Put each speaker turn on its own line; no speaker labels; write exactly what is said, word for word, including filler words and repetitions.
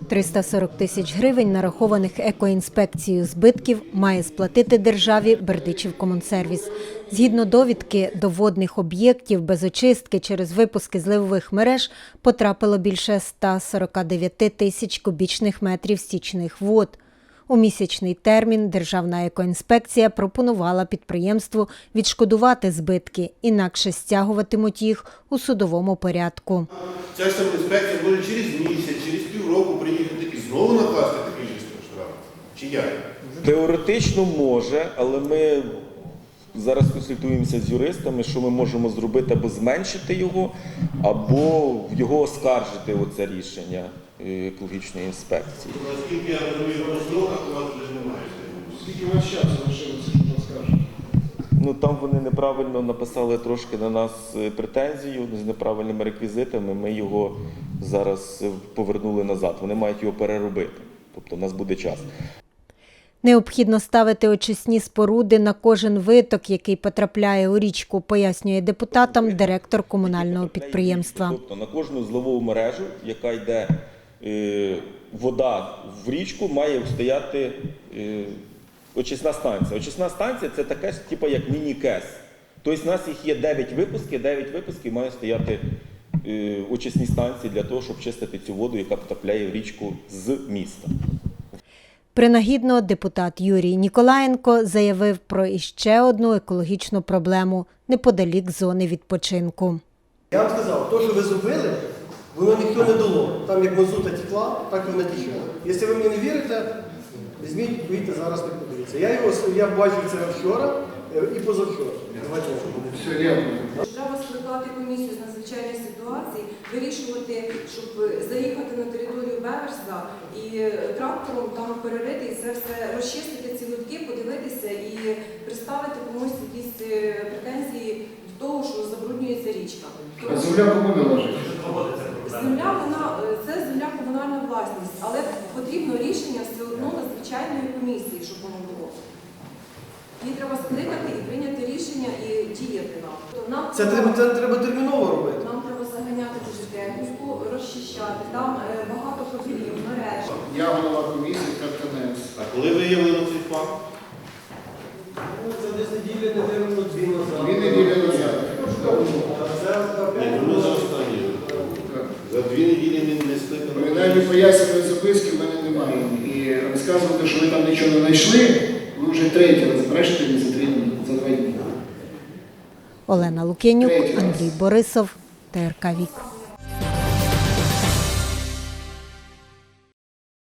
триста сорок тисяч гривень, нарахованих екоінспекцією збитків, має сплатити державі Бердичівкомунсервіс. Згідно довідки, до водних об'єктів без очистки через випуски зливових мереж потрапило більше ста сорока дев'яти тисяч кубічних метрів стічних вод. У місячний термін Державна екоінспекція пропонувала підприємству відшкодувати збитки, інакше стягуватимуть їх у судовому порядку.
Ця ж сама інспекція може через місяць, через півроку приїхати і знову накласти такий штраф. Чи як?
Теоретично може, але ми зараз консультуємося з юристами, що ми можемо зробити, або зменшити його, або його оскаржити, оце рішення екологічної інспекції.
Наскільки я розумію, по строках у вас вже немає.
Скільки у вас часу лишилося, щоб оскаржити?
Ну, там вони неправильно написали трошки на нас претензію з неправильними реквізитами. Ми його зараз повернули назад. Вони мають його переробити. Тобто у нас буде час.
Необхідно ставити очисні споруди на кожен виток, який потрапляє у річку, пояснює депутатам директор комунального підприємства.
Тобто на кожну зливову мережу, яка йде е, вода в річку, має стояти е, очисна станція. Очисна станція – це таке ж, типу, як міні-кес. Тобто у нас їх є дев'ять випусків, дев'ять випусків має стояти е, очисні станції для того, щоб чистити цю воду, яка потрапляє в річку з міста.
Принагідно депутат Юрій Ніколаєнко заявив про іще одну екологічну проблему неподалік зони відпочинку.
Я вам сказав, то, що ви зробили, воно ніхто не дало. Там як мазута текла, так і вона тікла. Якщо ви мені не вірите, візьміть, вийдіть зараз, не подивіться. Я його я бачив це вчора і позавчора. Все, дякую.
Треба скликати комісію з надзвичайних ситуацій, вирішувати, щоб заїхати на територію Беверса і трактором там перерити і це все розчистити ці лотки, подивитися і представити комусь якісь претензії до того, що забруднюється річка.
А земля кому належить?
Земля, вона, це земля комунальна власність, але потрібно рішення все одно надзвичайної комісії, щоб воно було. Її треба скликати і прийняти рішення і діяти нам. нам
Це треба, це треба терміново робити.
Нам треба заганяти дуже техніку, розчищати. Там е, багато профілів, мереж.
Я голова комісії КТНС.
А коли виявлено цей факт?
Це десь неділя, не дві назад. Дві неділі назад.
Ні, ну за останні. За дві неділі не, не скликано.
Принаймні пояснювальної записки в мене немає. І розказувати, що ви там нічого не знайшли, ви вже третій раз брешете мені за три дні, за два дні.
Олена Лук'янюк, Андрій Борисов, Т Р К Вік.